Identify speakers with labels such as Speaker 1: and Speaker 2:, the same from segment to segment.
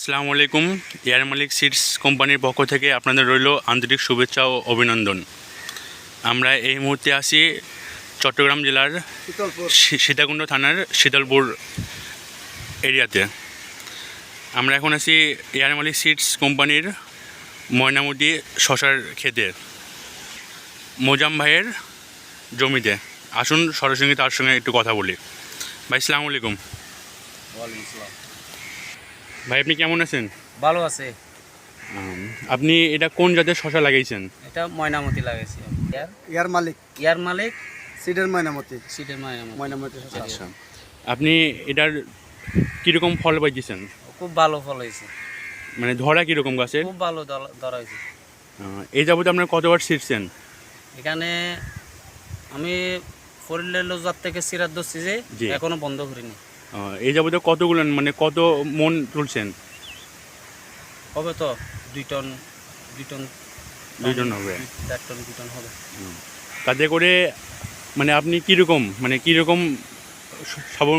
Speaker 1: আসসালামু আলাইকুম। এয়ার মালিক সিডস কোম্পানির পক্ষ থেকে আপনাদের রইল আন্তরিক শুভেচ্ছা ও অভিনন্দন। আমরা এই মুহূর্তে আছি চট্টগ্রাম জেলার সীতাকুণ্ড থানার শীতলপুর এরিয়াতে। আমরা এখন আছি এয়ার মালিক সিডস কোম্পানির ময়নামতি শশার ক্ষেতে মোজাম ভাইয়ের জমিতে। আসুন সরাসরি তার সঙ্গে একটু কথা বলি। ভাই আসসালামু আলাইকুম।
Speaker 2: ওয়ালাইকুম আসসালাম।
Speaker 1: ভাই আপনি কেমন আছেন?
Speaker 2: ভালো আছে।
Speaker 1: আপনি এটা কোন জাতের শশা লাগাইছেন?
Speaker 2: এটা ময়নামতি লাগাইছি।
Speaker 3: ইয়ার মালিক
Speaker 2: সিডের
Speaker 3: ময়নামতি
Speaker 2: ময়নামতি।
Speaker 1: আচ্ছা, আপনি এটার কীরকম ফল পাইছেন?
Speaker 2: খুব ভালো ফল হয়েছে,
Speaker 1: মানে ধরা কীরকম গাছের?
Speaker 2: খুব ভালো ধরা হয়েছে।
Speaker 1: এই যাবতে আপনার কতবার ছিঁড়ছেন?
Speaker 2: এখানে আমি ফরিলের লোজার থেকে সিরাত ধরছি যে
Speaker 1: জি।
Speaker 2: এখনো বন্ধ করিনি।
Speaker 1: এই যাবতে কতগুলো মানে কত মন তুলছেন?
Speaker 2: হবে তো 2 টন
Speaker 1: 2 টন হবে।
Speaker 2: 4 টন 2 টন হবে।
Speaker 1: তাতে করে মানে আপনি কীরকম সবল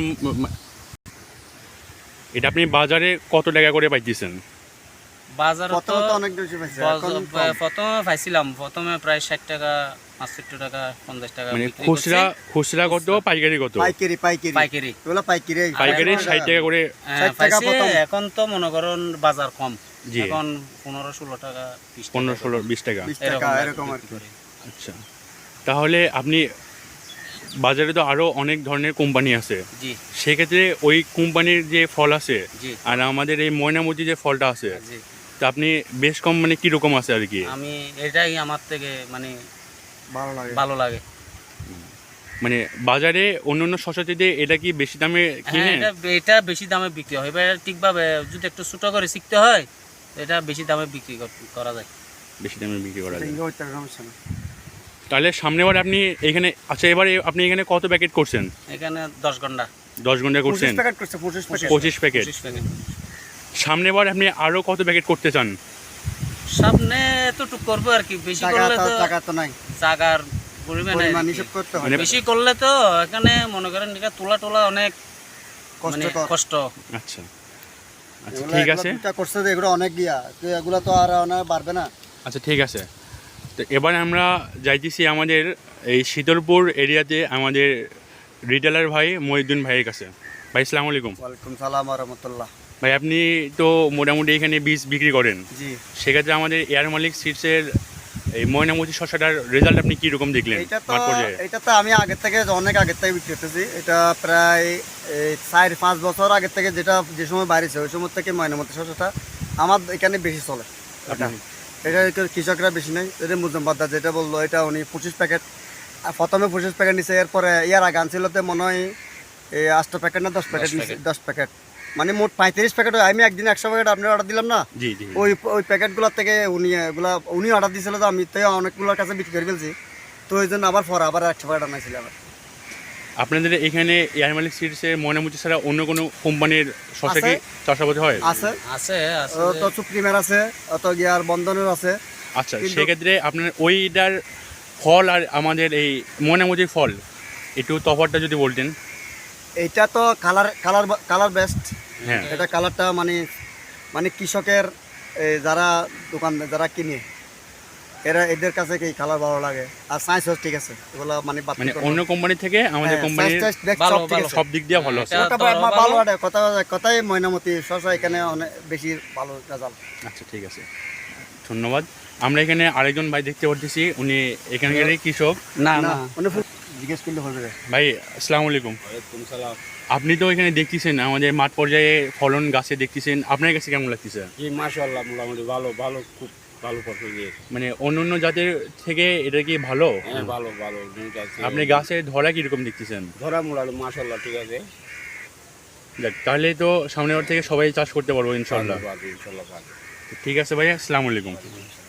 Speaker 1: এটা আপনি বাজারে কত টাকা করে পাইতেছেন?
Speaker 2: বাজারে তো
Speaker 3: অনেক বেশি পাইছে।
Speaker 2: প্রথমে পাইছিলাম, প্রথমে প্রায় 60 টাকা 65 টাকা 50 টাকা।
Speaker 1: মানে খুচরা কত, পাইকারি কত?
Speaker 2: পাইকারি
Speaker 3: এগুলো পাইকারি
Speaker 1: 60 টাকা করে।
Speaker 3: 60 টাকা প্রথম।
Speaker 2: এখন তো মনে করেন বাজার কম,
Speaker 1: জি।
Speaker 2: এখন 15-16 টাকা
Speaker 1: 15-16-20 টাকা।
Speaker 3: 20 টাকা এরকম আর কি।
Speaker 1: আচ্ছা, তাহলে আপনি বাজারে তো আরও অনেক ধরনের কোম্পানি আছে,
Speaker 2: জি
Speaker 1: সেক্ষেত্রে ওই কোম্পানির যে ফল আছে
Speaker 2: জি
Speaker 1: আর আমাদের এই ময়নামতি যে ফলটা আছে,
Speaker 2: জি।
Speaker 1: তা আপনি বেশ কম মানে কীরকম আছে আর কি?
Speaker 2: আমি এটাই আমার থেকে মানে ভালো লাগে।
Speaker 1: মানে বাজারে অন্য শশা থেকে এটা কি বেশি দামে কিনে?
Speaker 2: এটা বেশি দামে বিক্রি হয়। এবার ঠিকভাবে যদি একটু ছোটো করে শিখতে হয়, এটা বেশি দামে বিক্রি করা যায়।
Speaker 1: বেশি দামে বিক্রি করা যায়।
Speaker 3: সমস্যা না।
Speaker 1: তাহলে সামনেবার আপনি এখানে, আচ্ছা এবারে আপনি এখানে কত প্যাকেট করছেন?
Speaker 2: এখানে 10 ঘন্টা
Speaker 1: 10 ঘন্টা করছেন?
Speaker 3: 25 প্যাকেট করছে, 25 প্যাকেট।
Speaker 1: 25 প্যাকেট। সামনেবার আপনি আরও কত প্যাকেট করতে চান?
Speaker 2: সামনে এতটুক করবো আর কি। বেশি করলে তো
Speaker 3: টাকা তো নাই,
Speaker 2: জাগার পরিমাণ
Speaker 3: হিসাব করতে হয়।
Speaker 1: মানে
Speaker 2: বেশি করলে তো এখানে মনে করেন এটা তোলা অনেক কষ্ট।
Speaker 1: আচ্ছা আচ্ছা, ঠিক আছে।
Speaker 3: এটা করছে যে এগুলো অনেক গিয়া, তো এগুলো তো আর বাড়বে না।
Speaker 1: আচ্ছা ঠিক আছে, তো এবার আমরা যাইতেছি আমাদের এই শীতলপুর এরিয়াতে আমাদের রিটেলার ভাই মহিউদ্দিন ভাইয়ের কাছে। ভাই আসসালামু আলাইকুম।
Speaker 3: ওয়ালাইকুম সালাম ওয়া রাহমাতুল্লাহ।
Speaker 1: ভাই আপনি তো মোটামুটি এখানে বীজ বিক্রি করেন,
Speaker 3: জি।
Speaker 1: সেক্ষেত্রে আমাদের এয়ার মালিক সিডসের এই ময়নামতি শশাটার রেজাল্ট আপনি কীরকম দেখলেন?
Speaker 3: এটা তো আমি অনেক আগের থেকে বিক্রি করতেছি। এটা প্রায় 4-5 বছর আগের থেকে, যে সময় বাইরেছে ওই সময় থেকে ময়নামতি শশাটা আমার এখানে বেশি চলে। এটা কৃষকরা বেশি নেই। এটা মুজম্বাদা যেটা বললো, এটা উনি 25 প্যাকেট প্রথমে 25 প্যাকেট নিছে। এরপরে ইয়ার আগে আনছিলতে মনে হয় 8 প্যাকেট না 10 প্যাকেট নিছে, 10 প্যাকেট মানে মোট 35 প্যাকেট। আমি একদিন 100 প্যাকেট আপনার অর্ডার দিলাম না,
Speaker 1: জি জি।
Speaker 3: ওই প্যাকেটগুলোর থেকে উনি অর্ডার দিয়েছিল, তো আমি তো অনেকগুলোর কাছে বিক্রি করে ফেলছি, তো ওই জন্য আবার 100 প্যাকেট আনাইছিলাম।
Speaker 1: আপনাদের এখানে এয়ার মালিক সিডসের ময়নামতি ছাড়া অন্য কোনো কোম্পানির শশা কি চাষাবাদ হয়?
Speaker 2: আছে
Speaker 3: তো সুপ্রিমের আছে, অত গিয়ার বন্ধনের আছে।
Speaker 1: আচ্ছা, সেক্ষেত্রে আপনার ওইটার ফল আর আমাদের এই ময়নামতির ফল একটু তফাৎটা যদি বলতেন।
Speaker 3: এইটা তো কালার বেস্ট।
Speaker 1: হ্যাঁ,
Speaker 3: এটা কালারটা মানে কৃষকের যারা কিনে এদের কাছে কি কালার ভালো লাগে, আর সাইজ ঠিক আছে। এগুলো মানে
Speaker 1: অন্য কোম্পানি থেকে আমাদের কোম্পানির সব দিক দিয়ে ভালো আছে।
Speaker 3: কথাই ময়নামতি শশা এখানে অনেক বেশি ভালো রেজাল্ট।
Speaker 1: আচ্ছা ঠিক আছে, ধন্যবাদ। আমরা এখানে আরেকজন ভাই দেখতে পাচ্ছি, উনি এখানকারই কৃষক।
Speaker 2: না
Speaker 3: জিজ্ঞেস করলে হবে।
Speaker 1: ভাই আসসালামু আলাইকুম।
Speaker 2: ওয়ালাইকুম সালাম।
Speaker 1: আপনি তো এখানে দেখতেছেন আমাদের মাঠ পর্যায়ে ফলন গাছে দেখতেছেন, আপনার কাছে কেমন লাগতেছে?
Speaker 2: জি মাশাআল্লাহ, মোটামুটি ভালো খুব ভালো ফসল দিয়েছে। মানে
Speaker 1: অন্য জাতের থেকে এটা কি ভালো?
Speaker 2: হ্যাঁ ভালো।
Speaker 1: আপনি গাছে ধরা কিরকম দেখতেছেন?
Speaker 2: ধরা মোটামুটি মাশাআল্লাহ ঠিক আছে।
Speaker 1: দেখ, তাহলে তো সামনের বার থেকে সবাই চাষ করতে পারবো ইনশাআল্লাহ।
Speaker 2: ইনশাআল্লাহ।
Speaker 1: ঠিক আছে ভাই, আসসালামু আলাইকুম।